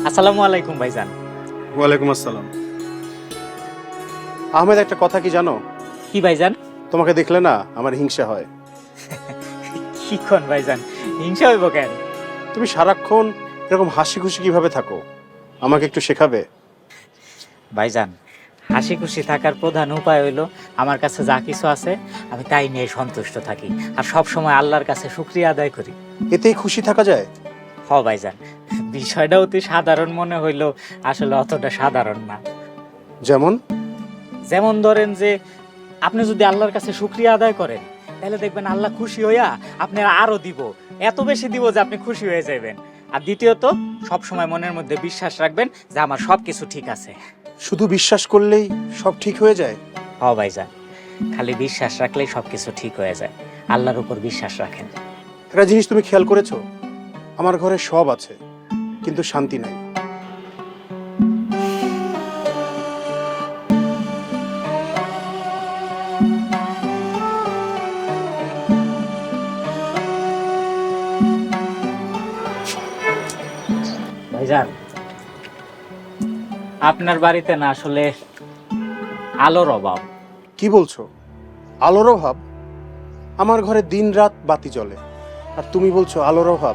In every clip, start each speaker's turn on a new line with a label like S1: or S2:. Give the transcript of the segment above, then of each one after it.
S1: আসসালামু আলাইকুম ভাইজান।
S2: ওয়ালাইকুম আসসালাম। আহমেদ, একটা কথা কি জানো?
S1: কি ভাইজান?
S2: তোমাকে দেখলে না আমার হিংসা হয়।
S1: কি কোন ভাইজান, হিংসা হইব কেন?
S2: তুমি সারাক্ষণ এরকম হাসি খুশি কিভাবে থাকো, আমাকে একটু শেখাবে?
S1: ভাইজান, হাসি খুশি থাকার প্রধান উপায় হইলো আমার কাছে যা কিছু আছে আমি তাই নিয়ে সন্তুষ্ট থাকি, আর সব সময় আল্লাহর কাছে শুকরিয়া আদায় করি।
S2: এতেই খুশি থাকা যায়?
S1: হ ভাইজান, বিষয়টা অতি সাধারণ মনে হইলো আসলে অতটা সাধারণ না।
S2: যেমন?
S1: যেমন ধরেন যে আপনি যদি আল্লাহর কাছে শুকরিয়া আদায় করেন তাহলে দেখবেন আল্লাহ খুশি হইয়া আপনার আরো দিব, এত বেশি দিব যে আপনি খুশি হয়ে যাবেন। আর দ্বিতীয়ত, সব সময় মনের মধ্যে বিশ্বাস রাখবেন যে আমার সবকিছু ঠিক আছে।
S2: শুধু বিশ্বাস করলেই সব ঠিক হয়ে যায়?
S1: হ ভাইজান, খালি বিশ্বাস রাখলেই সবকিছু ঠিক হয়ে যায়। আল্লাহর উপর বিশ্বাস রাখেন।
S2: একটা জিনিস তুমি খেয়াল করেছো, আমার ঘরে সব আছে কিন্তু শান্তি নাই।
S1: ভাইজান, আপনার বাড়িতে না আসলে আলোর অভাব।
S2: কি বলছো? আলোর অভাব? আমার ঘরে দিন রাত বাতি জ্বলে, আর তুমি বলছো আলোর অভাব?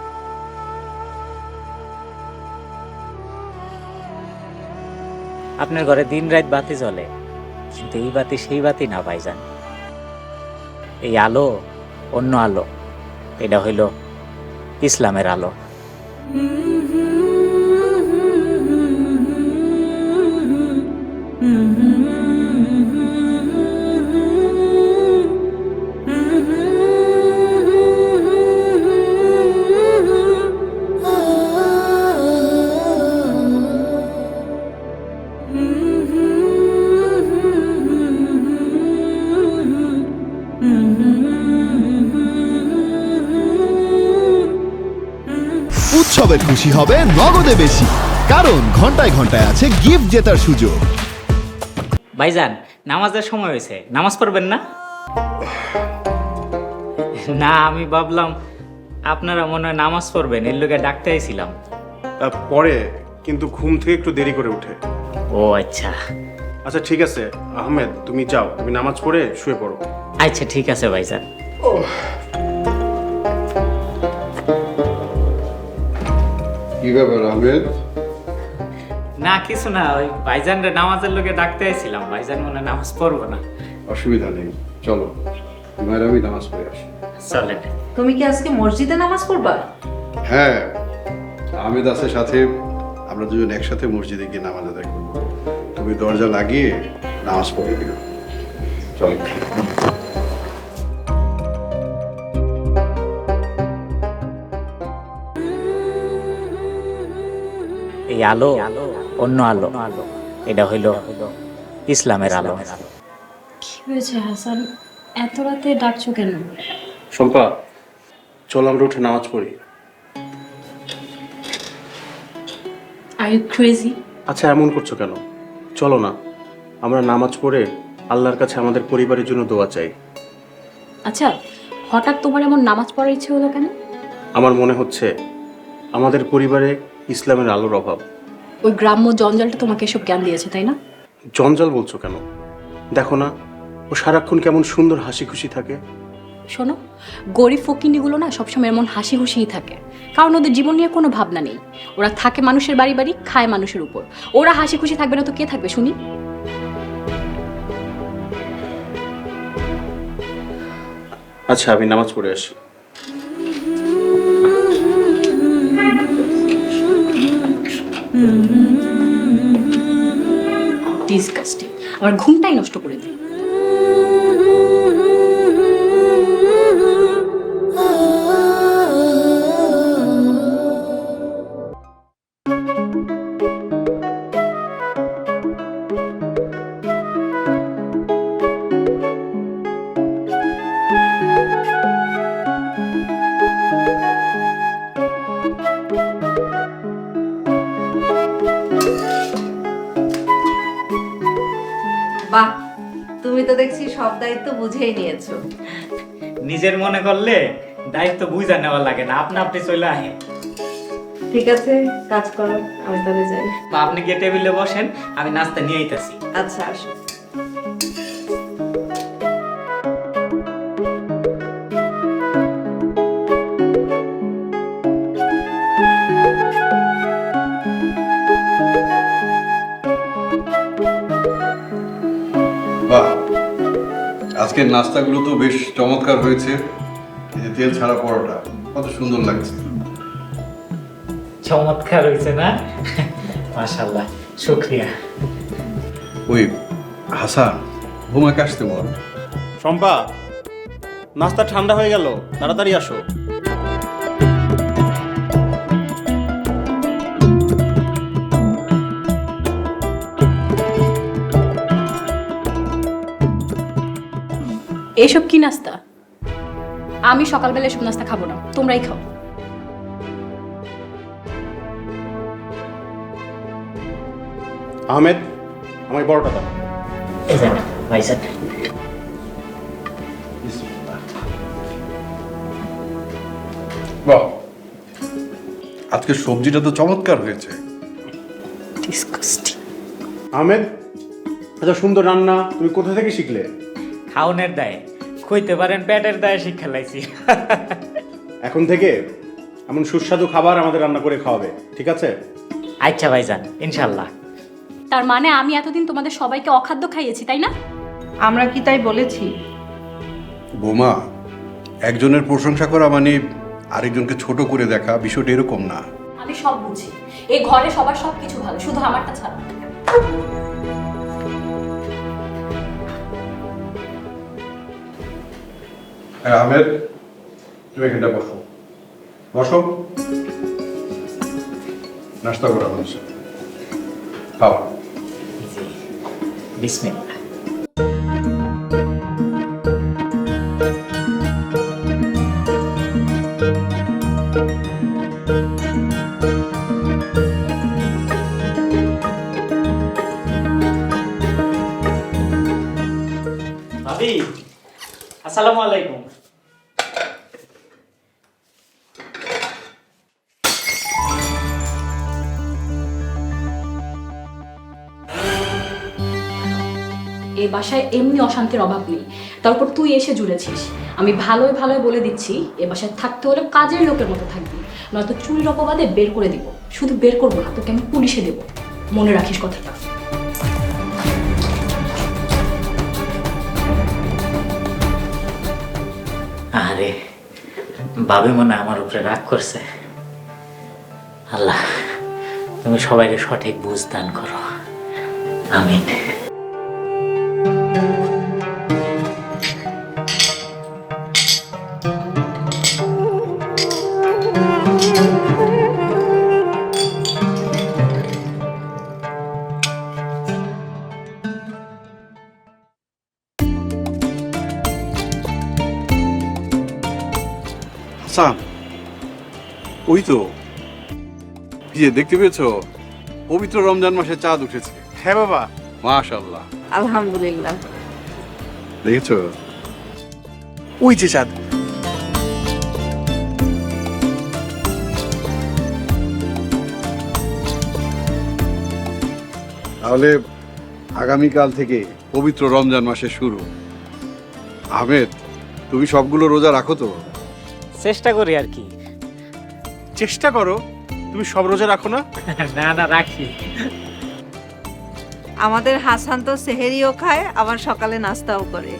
S1: আপনার ঘরে দিন রাত বাতি জ্বলে, কিন্তু এই বাতি সেই বাতি না ভাইজান। এই আলো অন্য আলো, এটা হইল ইসলামের আলো।
S3: উৎসবে খুশি হবে নগদে বেশি, কারণ ঘন্টায় ঘন্টায় আছে গিফট জেতার সুযোগ।
S1: ভাইজান, নামাজের সময় হয়েছে, নামাজ পড়বেন না? না, আমি ভাবলাম আপনারা মনে হয় নামাজ পড়বেন, এর লোকে ডাকতে আইছিলাম।
S2: পরে, কিন্তু ঘুম থেকে একটু দেরি করে উঠে।
S1: ও আচ্ছা।
S2: আচ্ছা ঠিক আছে আহমেদ, তুমি যাও, তুমি নামাজ পড়ে শুয়ে পড়ো।
S1: আচ্ছা ঠিক আছে ভাইজান।
S4: কি ব্যাপার আহমেদ?
S1: না কিছু না, ওই ভাইজানরে নামাজের লোকে ডাকতে আইছিলাম, ভাইজান মনে হয় নামাজ পড়বো না।
S4: অসুবিধা নেই, চলো তোমার আমি নামাজ পড়ে আসি।
S1: চলেন।
S5: তুমি কি আজকে মসজিদে নামাজ পড়বা?
S4: হ্যাঁ, আহমেদ আছে সাথে, আমরা দুজন একসাথে মসজিদে গিয়ে নামাজ আদায় করবো। তুমি দরজা লাগিয়ে নামাজ পড়ে দিও। চলো।
S1: এই আলো অন্য আলো, এটা হইল ইসলামের আলো।
S6: কি হয়েছে হাসান, এত রাতে ডাকছো কেন?
S2: শম্পা, চল আমরা উঠে নামাজ পড়ি।
S6: Are you crazy?
S2: আচ্ছা এমন করছো কেন? চলো না, আমরা নামাজ পড়ে আল্লাহর কাছে আমাদের পরিবারের জন্য দোয়া চাই।
S6: আচ্ছা, হঠাৎ তোমার এমন নামাজ পড়ার ইচ্ছে হলো কেন?
S2: আমার মনে হচ্ছে আমাদের পরিবারে ইসলামের আলোর অভাব।
S6: ওই গ্রাম্য জঞ্জালটা তোমাকে এসব জ্ঞান দিয়েছে, তাই না?
S2: জঞ্জাল বলছো কেন? দেখো না, ও সারাক্ষণ কেমন সুন্দর হাসি খুশি থাকে।
S6: শোনো, গরিব ফকিন্নিগুলো না সবসময় এমন হাসি খুশিই থাকে, কারণ ওদের জীবন নিয়ে কোনো ভাবনা নেই। ওরা থাকে মানুষের বাড়ি বাড়ি, খায় মানুষের উপর। ওরা হাসি খুশি থাকবে না তো কে থাকবে শুনি?
S2: আচ্ছা আমি নামাজ পড়ে আসি।
S6: ডিসকাস্টিং, আমার ঘুমটাই নষ্ট করে দিই।
S5: বাহ, তুমি তো দেখছি সব দায়িত্ব বুঝেই নিয়েছো।
S1: নিজের মনে করলে দায়িত্ব বুঝা নেওয়া লাগে না, আপনা আপনি চলে আহে।
S5: ঠিক আছে, কাজ করো, আমি তাহলে যাই।
S1: বা আপনি গিয়ে টেবিলে বসেন, আমি নাস্তা নিয়ে আইতাছি।
S5: আচ্ছা, আসো।
S4: বাহ, আজকের নাস্তাগুলো তো বেশ চমৎকার হয়েছে। এই যে তেল ছাড়া পরোটা, কত সুন্দর লাগছে।
S1: চমৎকার হয়েছে না? মাশাআল্লাহ, শুকরিয়া।
S4: ওই হাসান, বোমাকে আসতে বল।
S2: শম্পা, নাস্তা ঠান্ডা হয়ে গেল, তাড়াতাড়ি আসো।
S6: এসব কি নাস্তা? আমি সকালবেলা এসব নাস্তা খাবো না, তোমরাই খাও।
S2: আহমেদ, আমায় বড়টা দাও।
S1: এই যান ভাইজান।
S4: বাহ, আজকে সবজিটা তো চমৎকার হয়েছে।
S1: ডিসকাস্টিং।
S2: আহমেদ, এত সুন্দর রান্না তুমি কোথা থেকে শিখলে?
S1: খাওনের দায়ে কইতে পারেন, পেটের দায়ে শিক্ষা লাইছি।
S2: এখন থেকে এমন সুস্বাদু খাবার আমাদের রান্না করে খাওয়াবে, ঠিক আছে?
S1: আচ্ছা ভাইজান, ইনশাল্লাহ।
S6: তার মানে আমি এতদিন তোমাদের সবাইকে অখাদ্য খাইয়েছি, তাই না?
S5: আমরা কি তাই বলেছি?
S4: বোমা, একজনের প্রশংসা করা মানে আরেকজনকে ছোট করে দেখা, বিষয়টা এরকম না।
S6: আমি সব বুঝি, এই ঘরে সবার সবকিছু ভালো, শুধু আমারটা ছাড়া।
S4: হ্যাঁ আহমেদ, তুমি এখানটা বসো, বসো। নাস্তা করা হয়েছে, খাও।
S1: জি, বিসমিল্লাহ। ভাবি, আসসালামু আলাইকুম।
S6: এই বাসায় এমনি অশান্তির অভাব নেই, তারপর তুই এসে জুড়েছিস। আমি ভালোই ভালোই বলে দিচ্ছি, এ বাসায় থাকতে হলে কাজের লোকের মতো থাকবি, নয়তো চুরির অপবাদে বের করে দিব। শুধু বের করবো না, তোকে আমি পুলিশে দেব, মনে রাখিস কথাটা।
S1: আরে ভাবি মনে হয় আমার উপরে রাগ করছে। আল্লাহ, তুমি সবাইকে সঠিক বুঝ দান করো, আমিন।
S4: হাসান, ওই তো, এই যে দেখতে পেয়েছো, পবিত্র রমজান মাসে চাঁদ উঠেছে।
S2: হ্যাঁ বাবা।
S4: মাশাআল্লাহ,
S5: আলহামদুলিল্লাহ।
S4: দেখেছো?
S2: ওই যে চাঁদ।
S4: তাহলে আগামীকাল থেকে পবিত্র রমজান মাসে শুরু। আহমেদ, তুমি সবগুলো রোজা রাখো তো?
S1: চেষ্টা করি আর কি।
S2: চেষ্টা করো, তুমি সব রোজা রাখো না?
S1: না না, রাখি।
S5: আমাদের হাসান তো সেহেরিও খায়, আবার সকালে নাস্তাও করে।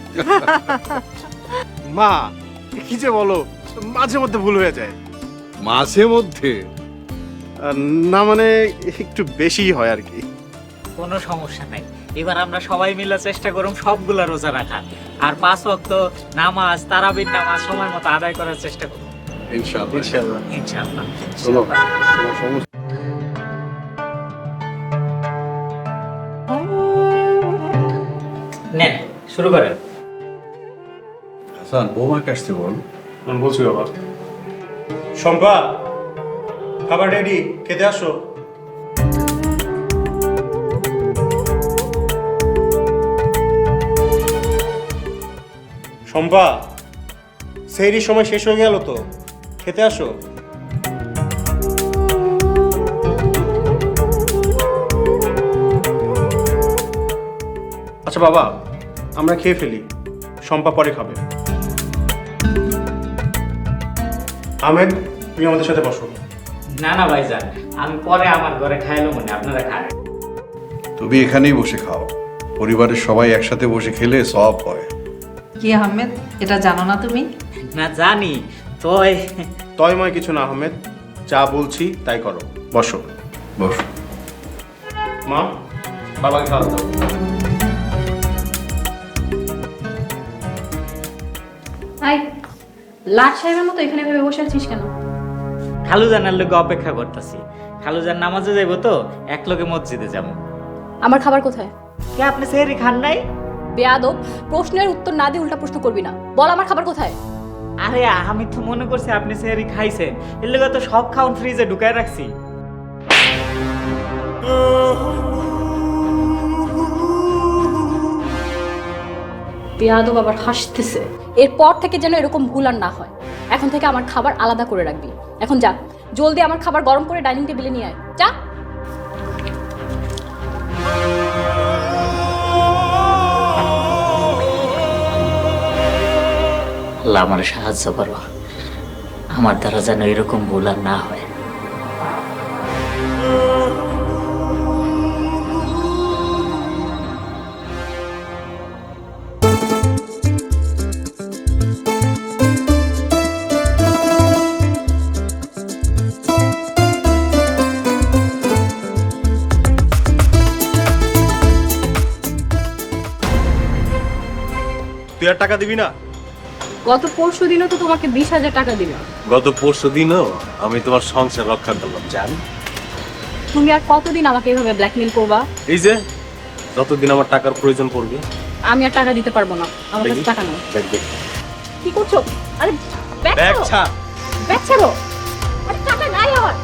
S2: মা, কি যে বলো, মাঝে মধ্যে ভুল হয়ে যায়।
S4: মাঝে মধ্যে?
S2: না মানে একটু বেশিই হয় আর কি।
S1: কোনো সমস্যা নাই, এবার আমরা সবাই মিলে চেষ্টা করুম সবগুলা রোজা রাখার, আর 5 ওয়াক্ত নামাজ, তারাবির নামাজ সময় মতো আদায় করার চেষ্টা করব
S4: ইনশাআল্লাহ।
S2: ইনশাআল্লাহ।
S1: ইনশাআল্লাহ।
S4: চলো, তোমার সমস্ত
S1: নেন, শুরু করেন।
S4: হাসান, বৌমাকে আসতে বল।
S2: আমি বলছি বাবা। শম্পা, খাবার রেডি, খেতে আসো। শম্পা, সেহরির সময় শেষ হয়ে গেল তো, খেতে আসো। আচ্ছা বাবা, আমরা খেয়ে ফেলি, শম্পা পরে খাবে। আহমেদ, তুমি আমাদের সাথে বসো।
S1: না না ভাইজান, আমি পরে আমার ঘরে খাইলো মনে, আপনারা খান।
S4: তুমি এখানেই বসে খাও, পরিবারের সবাই একসাথে বসে খেলে সব হয়।
S5: কি আহমেদ, এটা জানো না তুমি?
S1: না জানি, তোই
S2: তয়ময় কিছু না আহমেদ, যা বলছি তাই করো। বসো।
S4: বস।
S2: মা, বাবাকে খাওয়া দাও।
S6: হাই, লাট সাহেবের মতো এখানে ভেবে বসে আছিস কেন?
S1: খালুজানের লোকে অপেক্ষা করতেছি। খালুজান নামাজে যাইবো তো, এক লোকে মসজিদে যাবো।
S6: আমার খাবার কোথায়?
S1: কে আপনি সেহরি খান নাই?
S6: বেয়াদব, প্রশ্নের উত্তর না দিয়ে উল্টা প্রশ্ন করবি না। বল আমার খাবার কোথায়?
S1: আরে আমি তো মনে করছি আপনি সেহরি খাইছেন, এর লেগে তো সব খাউন ফ্রিজে ঢুকায় রাখছি।
S6: বেয়াদব আবার হাসতেছে। এরপর থেকে যেন এরকম ভুল আর না হয়। এখন থেকে আমার খাবার আলাদা করে রাখবি। এখন যা, জলদি আমার খাবার গরম করে ডাইনিং টেবিলে নিয়ে আয়, যা।
S1: আল্লাহ আমার সাহায্য করো, আমার দ্বারা যেন এরকম ভুল আর না হয়।
S7: তুই আর টাকা দিবি না?
S6: গত পরশু দিনও তো তোমাকে 20,000 টাকা দিলাম।
S7: গত পরশু দিনও আমি তোমার সংসার রক্ষা করলাম, জান।
S6: তুমি আর কতদিন আমাকে এইভাবে ব্ল্যাকমেল করবা?
S7: এই যে যতদিন আমার টাকার প্রয়োজন পড়বে।
S6: আমি আর টাকা দিতে পারবো না, আমার কাছে টাকা নেই।
S7: দেখ দেখ
S6: কি করছো? আরে ব্যাগ
S7: দেখ
S6: ছাড়ো,
S7: ছাড়।
S6: ব্যাগ ছাড়ো। আরে টাকা নাই আমার।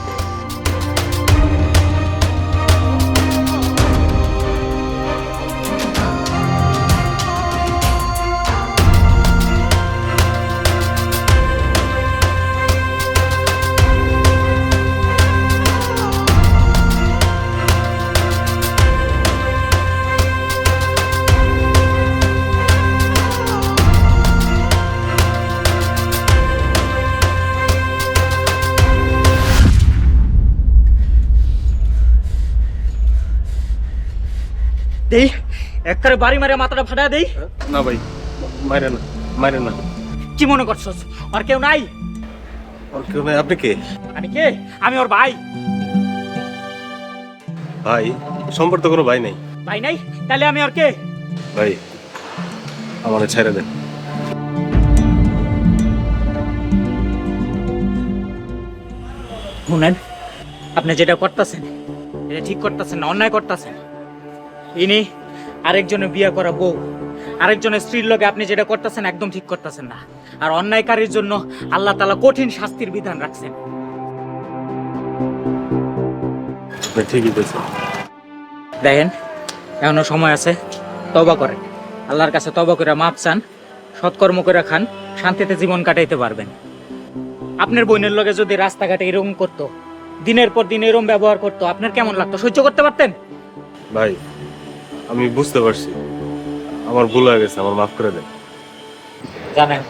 S1: দেই একবারে বাড়ি মারে মাথাটা ফাটা দেই।
S7: না ভাই, মাইরে না, মাইরে না।
S1: কি মনে করছস আর কেউ নাই?
S7: আর কেউ নাই? আপনি কে?
S1: আমি কে? আমি ওর ভাই।
S7: ভাই? সম্পর্ক তো কোনো ভাই নেই।
S1: ভাই নাই? তাহলে আমি ওর কে?
S7: ভাই, আমারে ছেড়ে দেন।
S1: শুনেন, আপনি যেটা করতেছেন এটা ঠিক করতেছেন না, অন্যায় করতেছেন। ইনি আরেকজনের বিয়ে করা বউ, আরেকজনের স্ত্রীর লগে আপনি যেটা করতেছেন একদম ঠিক করতেছেন না। আর অন্যায়কারীর জন্য আল্লাহ তাআলা কঠিন শাস্তির বিধান রাখছেন।
S7: আপনি ঠিকই বলছেন।
S1: দেখেন, এখনো সময় আছে, তওবা করেন, আল্লাহর কাছে তওবা করে মাপ চান, সৎকর্ম করে খান, শান্তিতে জীবন কাটাইতে পারবেন। আপনার বোনের লগে যদি রাস্তাঘাটে এরকম করতো, দিনের পর দিন এরকম ব্যবহার করতো, আপনার কেমন লাগতো? সহ্য করতে পারতেন?
S7: ভাই, আমি বুঝতে পারছি, আমার ভুল হয়ে গেছে, আমার মাফ করে দেন।
S1: জানেন,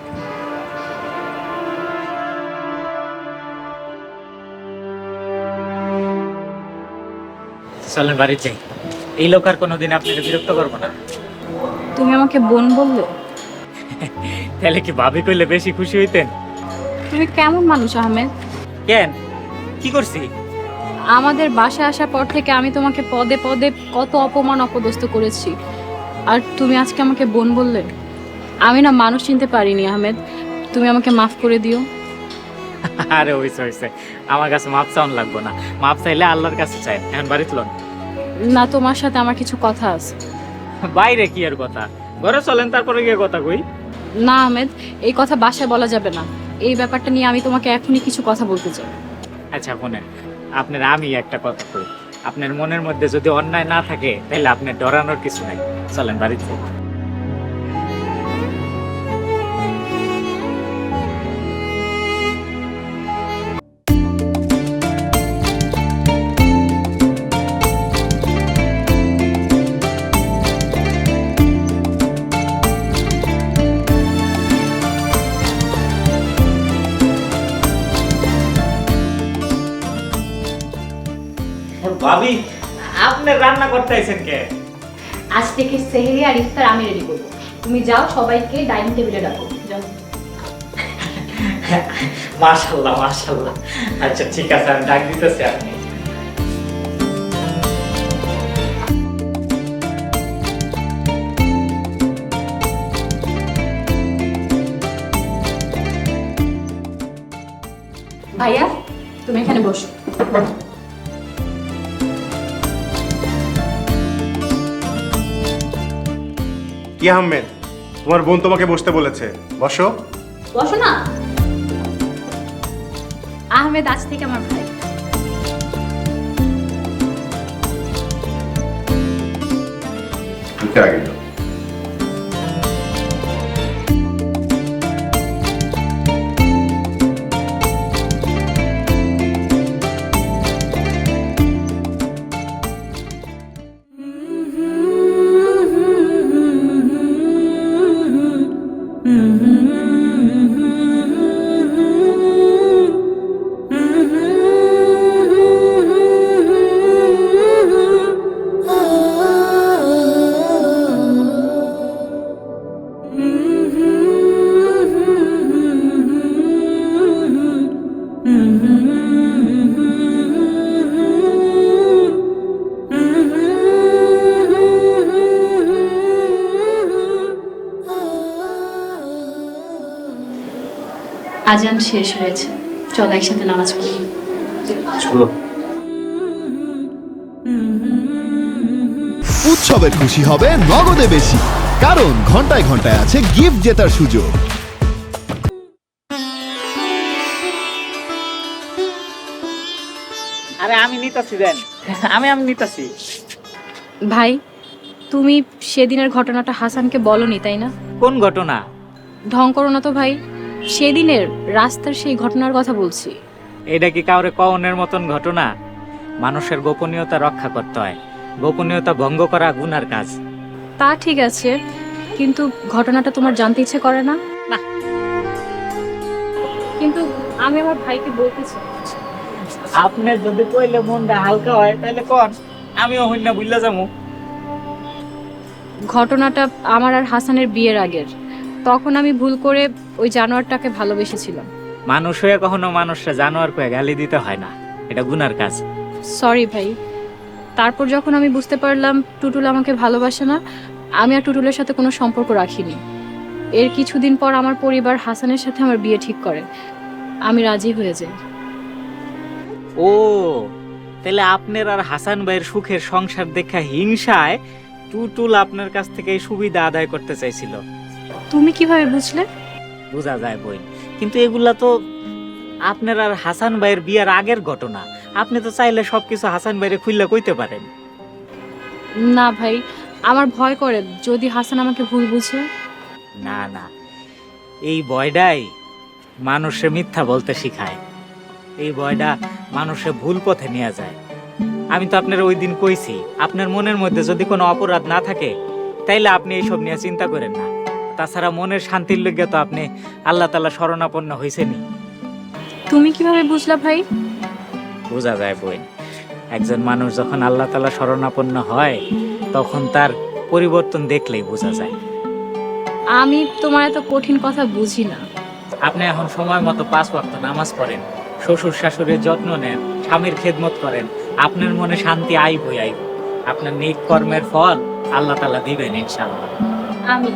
S1: চলেন বাড়ি যাই। এই লোক আর কোনোদিন আপনাকে বিরক্ত করবো না।
S6: তুমি আমাকে বোন বললে?
S1: তাহলে কি ভাবি কইলে বেশি খুশি হইতেন?
S6: তুমি কেমন মানুষ আহমেদ?
S1: কেন, কি করছি?
S6: আমাদের বাসায় আসার পর থেকে আমি তোমাকে পদে পদে কত অপমান অপদস্থ করেছি, আর তুমি আজকে আমাকে বোন বললে? আমি না মানুষ চিনতে পারিনি আহমেদ, তুমি আমাকে মাফ করে দিও।
S1: আরে হইছে হইছে, আমার কাছে মাপ চাউন লাগবো না, মাপ চাইলে আল্লাহর কাছে চাই। এখন বাড়ি তুলন।
S6: না, তোমার সাথে আমার কিছু কথা আছে।
S1: বাইরে কি আর কথা, ঘরে চলেন, তারপরে গিয়ে কথা কই।
S6: না আহমেদ, এই কথা বাসায় বলা যাবে না। এই ব্যাপারটা নিয়ে আমি তোমাকে এখনই কিছু কথা বলতে চাই।
S1: আচ্ছা শোনেন, আপনার আমি একটা কথা কই, আপনার মনের মধ্যে যদি অন্যায় না থাকে তাহলে আপনার ডরানোর কিছু নাই। চলেন বাড়িতে। ভাবি, আপনি রান্না করতে আইছেন কে?
S6: আজ থেকে সেহরি আর ইফতার আমি রেডি করবো। তুমি যাও, সবাইকে ডাইনিং টেবিলে ডাকো, যাও।
S1: মাশাআল্লাহ মাশাআল্লাহ। আচ্ছা ঠিক আছে, আমি ডাক দিতেছি আপনি।
S6: ভাইয়া, তুমি এখানে বসো।
S2: কি আহমেদ, তোমার বোন তোমাকে বসতে বলেছে, বসো।
S6: বসো না। আহমেদ আজ থেকে আমার ভাই।
S4: তুমি আগে যাও।
S6: আজান শেষ হয়েছে, চলো একসাথে নামাজ পড়ি।
S7: চলো।
S3: উৎসবের খুশি হবে নগদে বেশি, কারণ ঘন্টায় ঘন্টায় আছে গিফট জেতার সুযোগ।
S1: আরে আমি নিতাছি দেন, আমি নিতাছি।
S6: ভাই, তুমি সেদিনের ঘটনাটা হাসানকে বলনি তাই না?
S1: কোন ঘটনা?
S6: ঢং করো না তো ভাই, সেদিনের রাস্তার সেই ঘটনার কথা বলছি।
S1: এটা কি কাউরে কওনের মতন ঘটনা? মানুষের গোপনীয়তা রক্ষা করতে হয়, গোপনীয়তা ভঙ্গ করা গুনার কাজ।
S6: তা ঠিক আছে, কিন্তু ঘটনাটা তোমার জানতে ইচ্ছে করে না?
S1: না।
S6: কিন্তু আমি আমার ভাইকে বলতে চাই।
S1: আপনার যদি কইলে মনটা হালকা হয় তাহলে কোন, আমিও হইনা বুঝলা যাবো।
S6: ঘটনাটা আমার আর হাসানের বিয়ের আগের। তখন আমি ভুল করে ওই জানোয়ারটাকে ভালোবেসেছিলাম।
S1: মানুষ হয়ে কখনো মানুষরা জানোয়ার কয়ে গালি দিতে হয় না, এটা গুনার কাজ।
S6: সরি ভাই। তারপর যখন আমি বুঝতে পারলাম টুটুল আমাকে ভালোবাসে না, আমি আর টুটুলের সাথে কোনো সম্পর্ক রাখিনি। এর কিছুদিন পর আমার পরিবার হাসানের সাথে আমার বিয়ে ঠিক করে। আমি রাজি হয়ে যাই।
S1: ও, তাহলে আপনার আর হাসান ভাইয়ের সুখের সংসার দেখা হিংসায় টুটুল আপনার কাছ থেকে এই সুবিধা আদায় করতে চাইছিল।
S6: তুমি কিভাবে বুঝলে?
S1: বোঝা যায় বই, কিন্তু এগুলা তো আপনার আর হাসান ভাইয়ের বিয়ের আগের ঘটনা। আপনি তো চাইলে সবকিছু হাসান ভাইরে খুললে কইতে পারেন।
S6: না ভাই, আমার ভয় করে যদি হাসান আমাকে ভুল বুঝে।
S1: না না, এই ভয়টাই মানুষে মিথ্যা বলতে শিখায়, এই ভয়টা মানুষে ভুল পথে নিয়ে যায়। আমি তো আপনার ওই দিন কইছি, আপনার মনের মধ্যে যদি কোনো অপরাধ না থাকে তাইলে আপনি এইসব নিয়ে চিন্তা করেন না। তাছাড়া মনের শান্তির লগে তো আপনি আল্লাহ তাআলা শরণাপন্ন হইছেনই।
S6: তুমি কিভাবে বুঝলা ভাই?
S1: বোঝা যায় বই, একজন মানুষ যখন আল্লাহ তাআলা শরণাপন্ন হয় তখন তার পরিবর্তন দেখলেই বোঝা যায়।
S6: আমি তোমার এত কঠিন কথা বুঝি না।
S1: আপনি এখন সময় মতো 5 ওয়াক্ত নামাজ পড়েন, শ্বশুর শাশুড়ির যত্ন নেন, স্বামীর খেদমত করেন, আপনার মনে শান্তি আইবই আইব। আপনার নেক কর্মের ফল আল্লাহ তাআলা দিবেন ইনশাআল্লাহ।
S6: আমি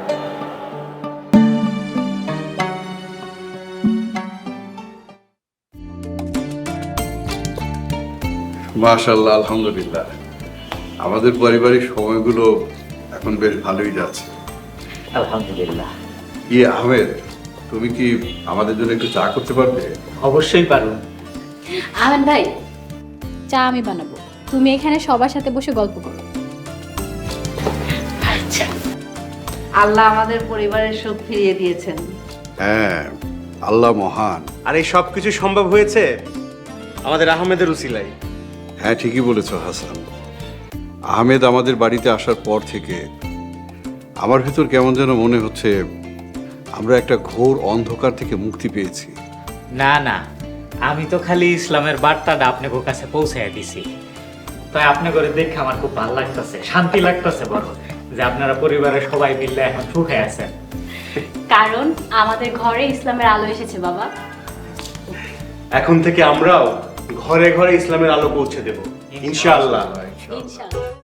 S4: মাশাআল্লাহ, আলহামদুলিল্লাহ। আমাদের পারিবারিক সময়গুলো এখন বেশ ভালোই যাচ্ছে।
S1: আলহামদুলিল্লাহ।
S4: আহমেদ, তুমি কি আমাদের জন্য একটু চা করতে পারবে?
S1: অবশ্যই পারুন।
S6: আহমেদ ভাই, চা আমি বানাবো, তুমি এখানে সবার সাথে বসে গল্প করো।
S1: আচ্ছা।
S5: আল্লাহ আমাদের পরিবারের সুখ ফিরিয়ে দিয়েছেন।
S4: হ্যাঁ, আল্লাহ মহান।
S2: আর এই সব কিছু সম্ভব হয়েছে আমাদের আহমেদের উসিলায়।
S4: হ্যাঁ, ঠিকই বলেছ হাসান। আহমেদ আমাদের বাড়িতে আসার পর থেকে আমার ভেতর কেমন যেন মনে হচ্ছে আমরা একটা ঘোর অন্ধকার থেকে মুক্তি পেয়েছি।
S1: না না, আমি তো খালি ইসলামের বার্তাটা আপনার কাছে পৌঁছায় দিছি। তাই আপনি করে দেখে আমার খুব ভালো লাগতেছে, শান্তি লাগতেছে বড়, যে আপনারা পরিবারের সবাই মিলে এখন সুখে আছেন।
S6: কারণ আমাদের ঘরে ইসলামের আলো এসেছে বাবা।
S2: এখন থেকে আমরাও ঘরে ঘরে ইসলামের আলো পৌঁছে দেব ইনশাআল্লাহ।
S6: ইনশাআল্লাহ।